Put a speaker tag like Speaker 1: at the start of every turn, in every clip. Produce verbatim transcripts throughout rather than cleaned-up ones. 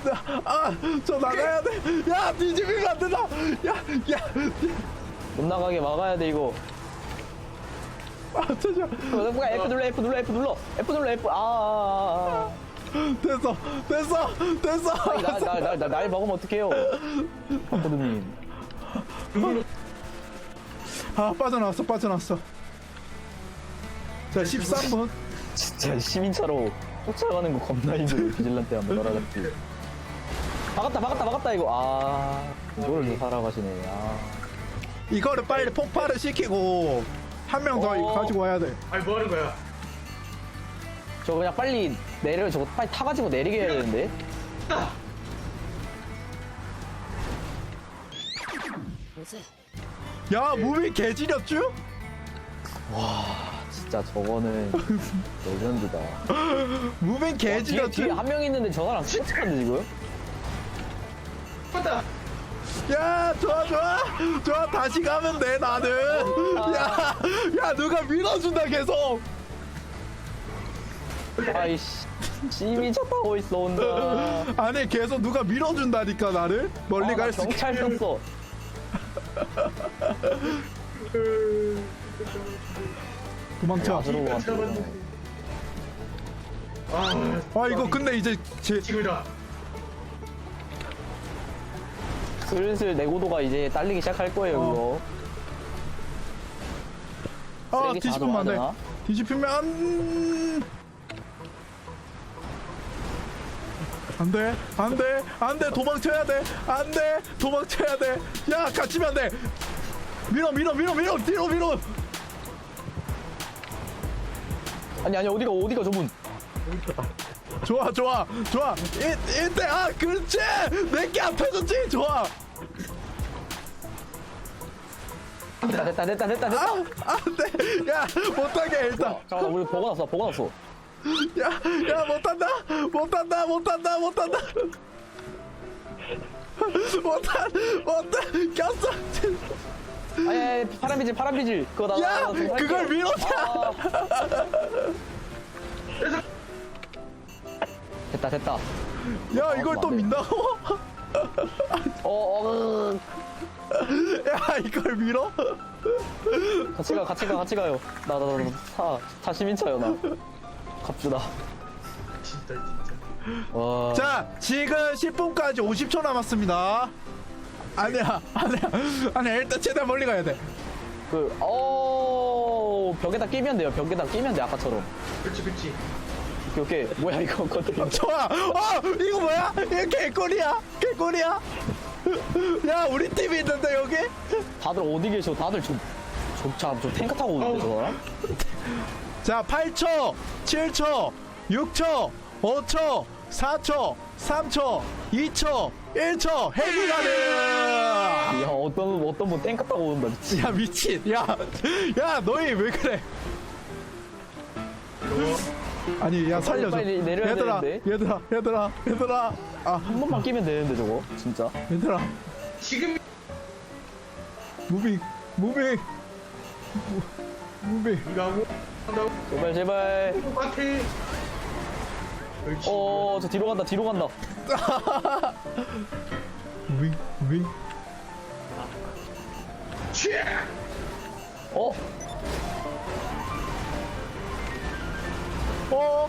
Speaker 1: 아저 나가야 돼야 뒤집히면 안 된다 야야
Speaker 2: 못 나가게 막아야 돼 이거.
Speaker 1: 아 잠시만
Speaker 2: 뭐야 F 눌러 F 눌러 F 눌러 F 눌러 F. 아, 아, 아.
Speaker 1: 됐어 됐어 됐어
Speaker 2: 날날 먹으면 어떡해요? 박보드님.
Speaker 1: 아 빠져나왔어 빠져나왔어 자 십삼 분
Speaker 2: 진짜 시민차로 쫓아가는 거 겁나 힘들어. 비질란테 한번 날아갔지. 막았다 막았다 막았다 이거. 아 이거를 살아가시네. 아
Speaker 1: 이거를 빨리 폭발을 시키고 한 명 더
Speaker 2: 어.
Speaker 1: 가지고 와야 돼
Speaker 3: 아니 뭐 하는 거야?
Speaker 2: 저 그냥 빨리 내려 저거 빨리 타가지고 내리게 해야 되는데.
Speaker 1: 야 무빙 개지렸쥬?
Speaker 2: 진짜 저거는 레전드다.
Speaker 1: 무빙
Speaker 2: 뒤에,
Speaker 1: 개지렸쥬?
Speaker 2: 뒤에 한 명 있는데 저 사람 스포츠카인데 지금?
Speaker 3: 맞다.
Speaker 1: 야 좋아 좋아 좋아 다시 가면 돼 나는 야, 야 누가 밀어준다 계속
Speaker 2: 아이씨 시민차 타고 있어 혼자.
Speaker 1: 아니 계속 누가 밀어준다니까 나를 멀리
Speaker 2: 아, 나
Speaker 1: 갈수 있게
Speaker 2: 경찰 썼어.
Speaker 1: 도망쳐
Speaker 2: 야수로 왔어.
Speaker 3: 아,
Speaker 1: 아 이거 근데 이제 제
Speaker 3: 지금이다.
Speaker 2: 슬슬 내고도가 이제 딸리기 시작할 거예요
Speaker 1: 어.
Speaker 2: 이거.
Speaker 1: 아
Speaker 2: 쓰레기
Speaker 1: 뒤집으면 안돼
Speaker 2: 자동화되나?
Speaker 1: 뒤집히면 안 안돼 안돼 안돼 도망쳐야 돼 안돼 도망쳐야 돼야 갇히면 안돼 밀어 밀어 밀어 밀어 뒤로 밀어
Speaker 2: 아니 아니 어디가 어디가 저분.
Speaker 1: 좋아 좋아 좋아 이, 이때 아 그렇지 내게 앞에서지 좋아
Speaker 2: 됐다 됐다 됐다 됐다 됐다.
Speaker 1: 아 안돼 야 못하게 일단
Speaker 2: 잠깐만 우리 보고 났어 보고 났어.
Speaker 1: 야야 못한다 못한다 못한다 못한다 못한 못한 꼈어
Speaker 2: 아니 아니 파란 비질 파란 비질 그거 나
Speaker 1: 야
Speaker 2: 나- 나 그거
Speaker 1: 그걸
Speaker 2: 할게.
Speaker 1: 밀어줘
Speaker 2: 아. 됐다 됐다.
Speaker 1: 야 이걸 또 민다고
Speaker 2: 어, 어,
Speaker 1: 야 이걸 밀어
Speaker 2: 같이 가, 같이 가, 같이 가요. 나, 나, 나, 타, 타 시민차요, 나. 갑주다.
Speaker 3: 진짜 진짜.
Speaker 2: 와.
Speaker 1: 자 지금 십 분까지 오십 초 남았습니다 아니야 아니야 아니야 일단 최대한 멀리 가야 돼
Speaker 2: 그, 어, 벽에다 끼면 돼요. 벽에다 끼면 돼, 아까처럼.
Speaker 3: 그렇지 그렇지.
Speaker 2: 오케이, 오케이. 뭐야, 이거, 건드려.
Speaker 1: 좋아 어 이거 뭐야 이거 개꿀이야 개꿀이야 야 우리 팀이 있는데 여기
Speaker 2: 다들 어디 계셔? 다들 저, 저, 참, 저 탱크 타고 오는데, 저 사람?
Speaker 1: 자 팔 초 칠 초 육 초 오 초 사 초 삼 초 이 초 일 초 헬기 가는
Speaker 2: 야, 어떤, 어떤 분 탱크 타고 온다, 미치.
Speaker 1: 야 미친 야 야 너희 왜 그래 아니 야 살려줘
Speaker 2: 빨리 내려야
Speaker 1: 얘들아
Speaker 2: 되는데.
Speaker 1: 얘들아 얘들아 얘들아 아
Speaker 2: 한 번만 끼면 되는데, 저거. 진짜.
Speaker 1: 얘들아
Speaker 3: 지금
Speaker 1: 무빙 무빙 무- 무빙
Speaker 3: 이거 하고 한다고
Speaker 2: 제발, 제발.
Speaker 3: 똑같아. 그렇지.
Speaker 2: 어, 저 뒤로 간다, 뒤로 간다.
Speaker 1: 무빙 무빙
Speaker 3: 취!
Speaker 2: 어?
Speaker 1: 어,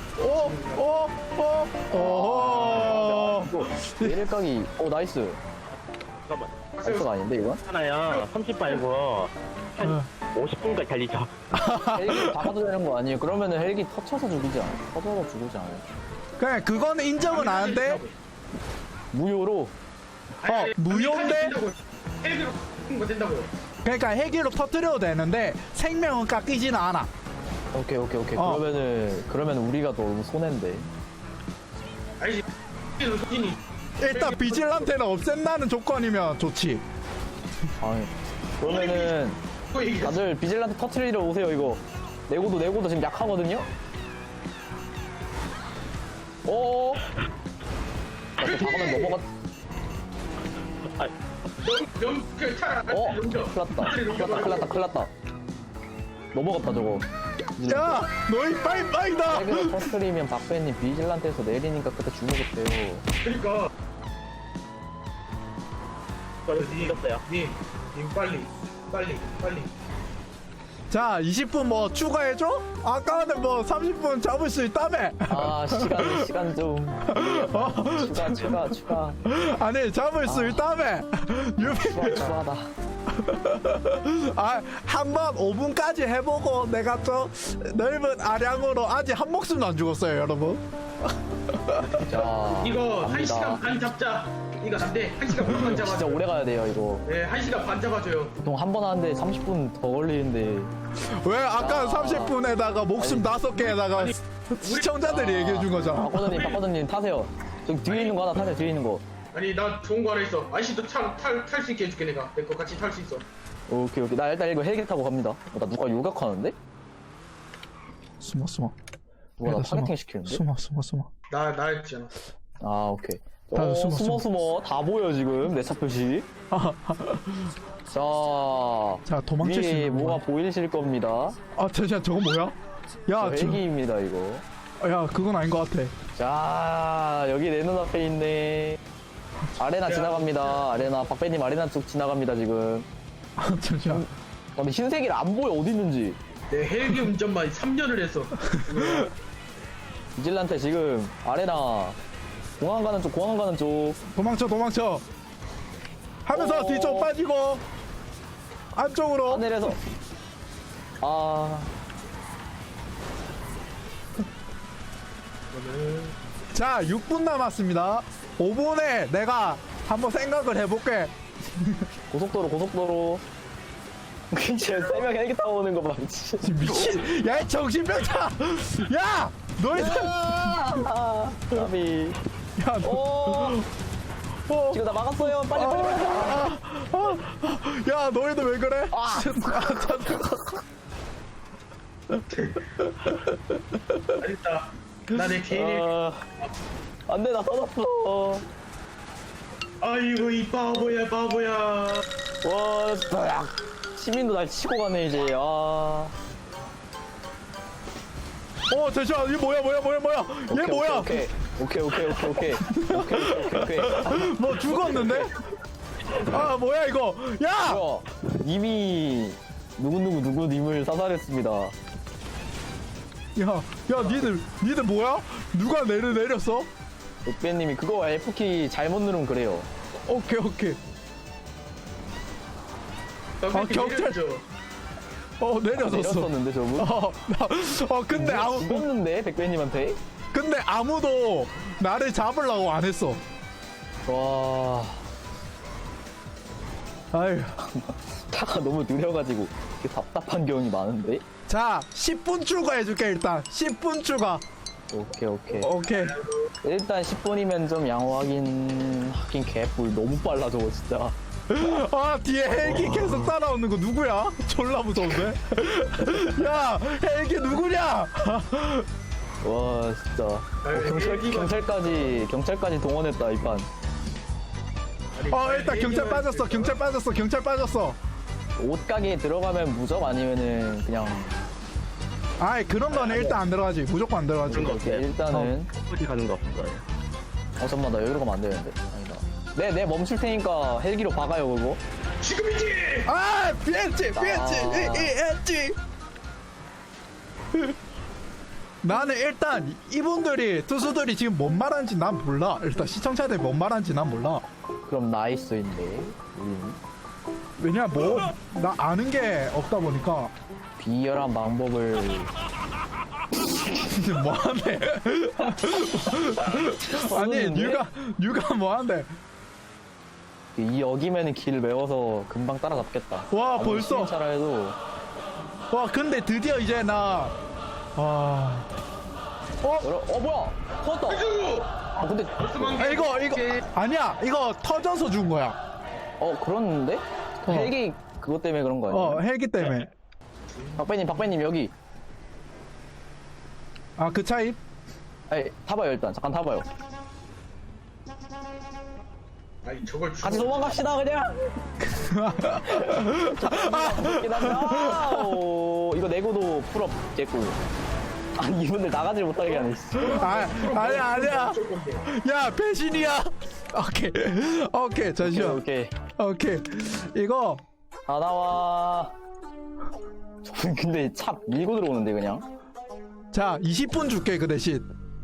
Speaker 1: 어어어어어어
Speaker 2: 내릴각이, 어, 나이스.
Speaker 4: 잠깐만.
Speaker 2: 나이스가 아닌데, 이건?
Speaker 4: 하나요. 삼십 말고 한 오십 분까지 달리죠.
Speaker 2: 헬기 박아도 되는 거 아니에요? 그러면은 헬기 터쳐서 죽이지 않아요? 터져서 죽이지 않아요?
Speaker 1: 그래 그거는 인정은 안돼
Speaker 2: 무효로?
Speaker 1: 어 무효인데
Speaker 3: 헬기로 거 된다고요.
Speaker 1: 그러니까 헬기로 터뜨려도 되는데 생명은 깎이지는 않아
Speaker 2: 오케이 오케이 오케이
Speaker 1: 어.
Speaker 2: 그러면은 그러면 우리가 너무 손해인데.
Speaker 3: 아니지. 헬기로 소진이.
Speaker 1: 일단 비질란테는 없앤다는 조건이면 좋지
Speaker 2: 아니 그러면은
Speaker 3: 그거 얘기했어.
Speaker 2: 다들 비질란테 터트리러 오세요. 이거 내고도 내고도 지금 약하거든요. 오. 나또 박으면 넘어갔.
Speaker 3: 영, 그 차라.
Speaker 2: 어.
Speaker 3: 넘겨.
Speaker 2: 큰일났다. 큰일났다. 큰일났다. 큰일났다. 넘어갔다 저거.
Speaker 1: 야 너희 빠이빠이다.
Speaker 2: 핵으로 터트리면 박배님 비질란테에서 내리니까 그때 주무겠대요.
Speaker 3: 그러니까
Speaker 4: 저는 이겼어요.
Speaker 3: 님, 님 빨리 빨리 빨리
Speaker 1: 자 이십 분 뭐 추가해줘? 아까는 뭐 삼십 분 잡을 수 있다며.
Speaker 2: 아 시간 시간 좀
Speaker 1: 어?
Speaker 2: 추가 추가 추가
Speaker 1: 아니 잡을 수
Speaker 2: 아.
Speaker 1: 있다며. 유비
Speaker 2: 추가 추가다.
Speaker 1: 아, 한 번 오 분까지 해보고 내가 또 넓은 아량으로 아직 한 목숨도 안 죽었어요, 여러분.
Speaker 2: 자
Speaker 3: 이거 한
Speaker 2: 갑니다.
Speaker 3: 시간 반 잡자. 이거 안돼 한 시간 반만
Speaker 2: 진짜
Speaker 3: 잡아줘.
Speaker 2: 오래 가야 돼요 이거.
Speaker 3: 네, 한 시간 반 잡아줘요.
Speaker 2: 보통 한 번 하는데 삼십 분 더 걸리는데.
Speaker 1: 왜 아까
Speaker 2: 아.
Speaker 1: 삼십 분에다가 목숨 다섯 개에다가
Speaker 3: 아니,
Speaker 1: 시청자들이 얘기해 준 거잖아.
Speaker 2: 박거든님 박거든님 타세요. 저기 뒤에 있는 거 하나 타세요. 뒤에 있는 거.
Speaker 3: 아니 나 좋은 거 하나 있어. 아저씨도 탈탈 수 있게 해줄게 내가. 내 거 같이 탈 수 있어.
Speaker 2: 오케이 오케이. 나 일단 이거 헬기 타고 갑니다. 어, 나 누가 요격하는데?
Speaker 1: 숨어 숨어.
Speaker 2: 누가 나
Speaker 1: 얘들아, 숨어.
Speaker 2: 타겟팅 시키는데?
Speaker 1: 숨어 숨어 숨어.
Speaker 3: 나 나였잖아.
Speaker 2: 아 오케이.
Speaker 1: 다들
Speaker 2: 어,
Speaker 1: 숨어,
Speaker 2: 숨어 숨어 다 보여 지금 내 차 표시. 자,
Speaker 1: 자 도망칠 수
Speaker 2: 위에
Speaker 1: 있는
Speaker 2: 뭐가
Speaker 1: 거.
Speaker 2: 보이실 겁니다.
Speaker 1: 아 잠시만 저거 뭐야? 야,
Speaker 2: 저
Speaker 1: 저,
Speaker 2: 헬기입니다 이거.
Speaker 1: 야 그건 아닌 것 같아.
Speaker 2: 자, 여기 내 눈앞에 있네. 아레나 지나갑니다. 아레나 박배님 아레나 쪽 지나갑니다 지금.
Speaker 1: 아 잠시만.
Speaker 2: 아, 근데 흰색이 안 보여 어디 있는지.
Speaker 3: 내 헬기 운전만 삼 년을 했어.
Speaker 2: 비질란테 지금 아레나 공항 가는 쪽 공항 가는 쪽.
Speaker 1: 도망쳐 도망쳐. 하면서
Speaker 2: 어.
Speaker 1: 뒤쪽 빠지고 안쪽으로.
Speaker 2: 하늘에서 아
Speaker 1: 자 육 분 남았습니다. 오 분에 내가 한번 생각을 해볼게.
Speaker 2: 고속도로 고속도로. 진짜 세 명 헬기 타고 오는 거 봐. 진짜.
Speaker 1: 미친. 야 이 정신병자. 야 너희들.
Speaker 2: 아, 까비.
Speaker 1: 야 너.
Speaker 2: 오,
Speaker 1: 어.
Speaker 2: 지금 나 막았어요. 빨리 빨리 빨리.
Speaker 1: 아, 아, 야 너희들 왜 그래?
Speaker 2: 아.
Speaker 3: 알겠다. 나 내 개인 헬기.
Speaker 2: 아, 안돼 나 터졌어.
Speaker 3: 아이고 이 바보야 바보야.
Speaker 2: 와, 으악. 시민도 날 치고 가네 이제. 아.
Speaker 1: 어 잠시만 이거 뭐야 뭐야 뭐야 뭐야 얘
Speaker 2: 오케이,
Speaker 1: 뭐야
Speaker 2: 오케이 오케이 오케이 오케이 오케이 오케이 오케이 오케이 오케이.
Speaker 1: 뭐 죽었는데? 아 뭐야 이거 야!
Speaker 2: 뭐야? 이미 누구 누구 누구 님을 사살했습니다.
Speaker 1: 야, 야 니들 니들 뭐야? 누가 내려 내렸어?
Speaker 2: 옥배님이 그거 F키 잘못 누르면 그래요.
Speaker 1: 오케이 오케이
Speaker 3: 나
Speaker 1: 아,
Speaker 3: 그렇게
Speaker 1: 경찰-
Speaker 3: 내려줘.
Speaker 1: 어 내려졌어
Speaker 2: 내렸었는데 저분.
Speaker 1: 어, 나, 어 근데 아무
Speaker 2: 죽었는데 백배님한테.
Speaker 1: 근데 아무도 나를 잡으려고 안 했어.
Speaker 2: 와,
Speaker 1: 아유
Speaker 2: 차가 너무 느려가지고 이렇게 답답한 경우이 많은데.
Speaker 1: 자 십 분 추가해줄게 일단 십 분 추가.
Speaker 2: 오케이 오케이.
Speaker 1: 오케이
Speaker 2: 일단 십 분이면 좀 양호하긴 하긴 개뿔 너무 빨라 저거 진짜.
Speaker 1: 아 뒤에 헬기 계속 따라오는 거 누구야? 졸라 무서운데? 야 헬기 누구냐?
Speaker 2: 와 진짜. 어, 경찰
Speaker 3: 헬기가-
Speaker 2: 경찰까지 경찰까지 동원했다 이 판.
Speaker 3: 아니,
Speaker 1: 어 일단 경찰
Speaker 3: 헬기가-
Speaker 1: 빠졌어 경찰 빠졌어 경찰 빠졌어.
Speaker 2: 옷가게에 들어가면 무적 아니면은 그냥.
Speaker 1: 아이 그런 거는 일단 안 들어가지 무조건 안 들어가지.
Speaker 4: 그런 거
Speaker 2: 오케이,
Speaker 4: 없어요.
Speaker 2: 일단은.
Speaker 4: 어디 가는 거 없어요.
Speaker 2: 어 잠깐만 나 여기로 가면 안 되는데. 아니다. 네, 네 멈출 테니까 헬기로 박아요 그거.
Speaker 3: 지금이지.
Speaker 1: 아 피했지 피했지
Speaker 2: 아.
Speaker 1: 이했지. 나는 일단 이분들이 투수들이 지금 뭔 말하는지 난 몰라. 일단 시청자들이 뭔 말하는지 난 몰라.
Speaker 2: 그럼 나이스인데 우리는
Speaker 1: 왜냐 뭐 나 아는 게 없다 보니까.
Speaker 2: 비열한 방법을.
Speaker 1: 뭐하네. 아니
Speaker 2: 없는데?
Speaker 1: 뉴가 뉴가 뭐하는데.
Speaker 2: 이 여기면은 길 메워서 금방 따라잡겠다.
Speaker 1: 와,
Speaker 2: 아무리
Speaker 1: 벌써?
Speaker 2: 시민차라 해도.
Speaker 1: 와 근데 드디어 이제 나. 와. 어?
Speaker 2: 여러, 어 뭐야? 터졌다.
Speaker 3: 아이고.
Speaker 2: 아 근데
Speaker 1: 아, 이거 이거 아니야 이거 터져서 준 거야.
Speaker 2: 어 그렇는데?
Speaker 1: 어.
Speaker 2: 헬기 그것 때문에 그런 거 아니야?
Speaker 1: 어 헬기 때문에.
Speaker 2: 박배님 박배님 여기.
Speaker 1: 아 그 차이?
Speaker 3: 네.
Speaker 2: 아니 타봐요 일단 잠깐 타봐요.
Speaker 3: 아니 저걸 주.
Speaker 2: 같이 도망갑시다 그냥. 기다려. 오, 이거 이거 내고도 풀업 깼고. 아니 이분들 나가질 못하게 하네. 씨.
Speaker 1: 아 아니야 아니야.
Speaker 3: 어쩔 건데.
Speaker 1: 야 배신이야. 오케이 오케이 잠시만.
Speaker 2: 오케이.
Speaker 1: 오케이 이거
Speaker 2: 다 나와. 저분 근데 차 밀고 들어오는데 그냥.
Speaker 1: 자 이십 분 줄게 그 대신.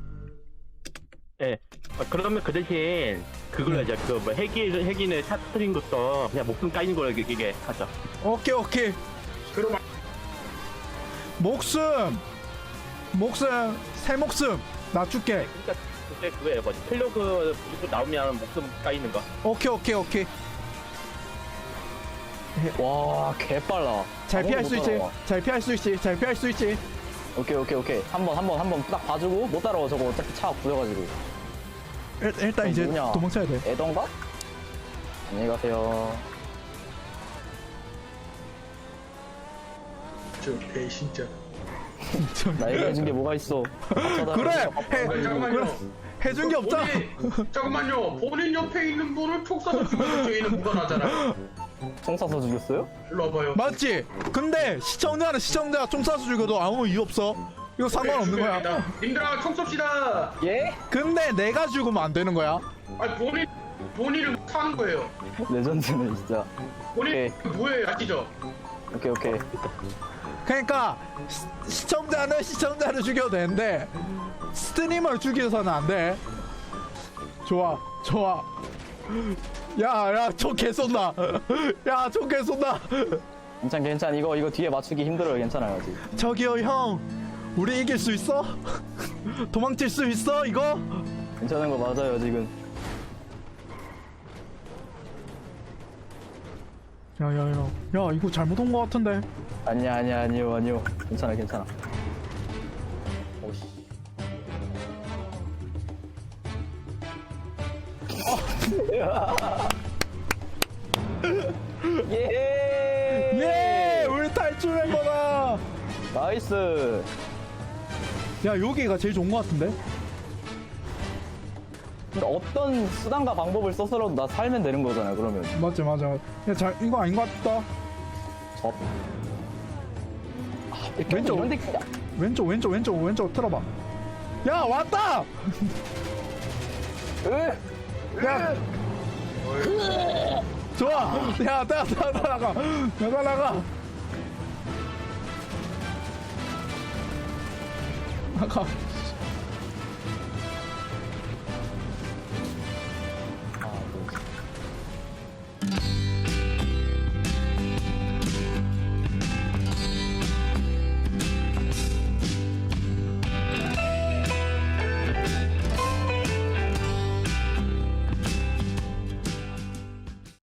Speaker 4: 예. 아, 그러면 그 대신 그걸로 하자. 그뭐 헬기 헬기는 샷트린 것도 그냥 목숨 까이는 걸로 이게- 이게 하자.
Speaker 1: 오케이 오케이
Speaker 3: 그럼
Speaker 1: 목숨 목숨 새 목숨 나 줄게.
Speaker 4: 그러니까 그때 그거예요. 뭐 플러그 무조건 나오면 목숨 까이는 거.
Speaker 1: 오케이 오케이 오케이
Speaker 2: 와 개빨라.
Speaker 1: 잘 피할 수
Speaker 2: 아무도 못
Speaker 1: 있지
Speaker 2: 따라와.
Speaker 1: 잘 피할 수 있지 잘 피할 수 있지.
Speaker 2: 오케이 오케이 오케이. 한 번 한 번 한 번 딱 봐주고 못 따라와 저거 어차피 차 구려가지고.
Speaker 1: 일, 일단
Speaker 2: 그럼
Speaker 1: 이제
Speaker 2: 뭐냐?
Speaker 1: 도망쳐야 돼.
Speaker 2: 애던가? 안녕히 가세요.
Speaker 3: 저 배신자.
Speaker 2: 나 얘기해준 게 뭐가 있어?
Speaker 1: 그래 해
Speaker 3: 아니, 잠깐만요.
Speaker 1: 그래 해준 게 없잖아.
Speaker 3: 본인, 잠깐만요. 본인 옆에 있는 분을 촉 쏴서 죽여서 저희는 무관하잖아요.
Speaker 2: 총 쏴서 죽였어요?
Speaker 3: 일로 와봐요.
Speaker 1: 맞지? 근데 시청자는 시청자 총 쏴서 죽여도 아무 이유 없어. 이거 상관없는 거야.
Speaker 3: 님들아 총 쏩시다.
Speaker 2: 예?
Speaker 1: 근데 내가 죽으면 안 되는 거야.
Speaker 3: 아니 본인 본인을 사는 거예요.
Speaker 2: 레전드네 진짜.
Speaker 3: 본인
Speaker 2: 오케이.
Speaker 3: 뭐예요 아시죠?
Speaker 2: 오케이 오케이.
Speaker 1: 그러니까 시, 시청자는 시청자를 죽여도 되는데 스트리머를 죽여서는 안 돼. 좋아 좋아. 야야총 개쏜다. 야총 개쏜다.
Speaker 2: 괜찮 괜찮. 이거 이거 뒤에 맞추기 힘들어요. 괜찮아요 아직.
Speaker 1: 저기요 형 우리 이길 수 있어? 도망칠 수 있어 이거?
Speaker 2: 괜찮은 거 맞아요 지금.
Speaker 1: 야야야 야 이거 잘못 온 거 같은데.
Speaker 2: 아니야 아니야 아니요 아니요. 괜찮아 괜찮아. 오씨. 예.
Speaker 1: 예 우리 탈출한 거다.
Speaker 2: 나이스.
Speaker 1: 야 여기가 제일 좋은 거 같은데?
Speaker 2: 근데 어떤 수단과 방법을 써서라도 나 살면 되는 거잖아 그러면.
Speaker 1: 맞지 맞아. 야 잘 이거 아닌 거 같다.
Speaker 2: 접. 아,
Speaker 1: 왼쪽.
Speaker 2: 이런 데 그냥-
Speaker 1: 왼쪽 왼쪽 왼쪽 왼쪽 틀어봐. 야 왔다.
Speaker 2: 으!
Speaker 1: 야 좋아. 야 나가 나가 나가 나가 나가 나가.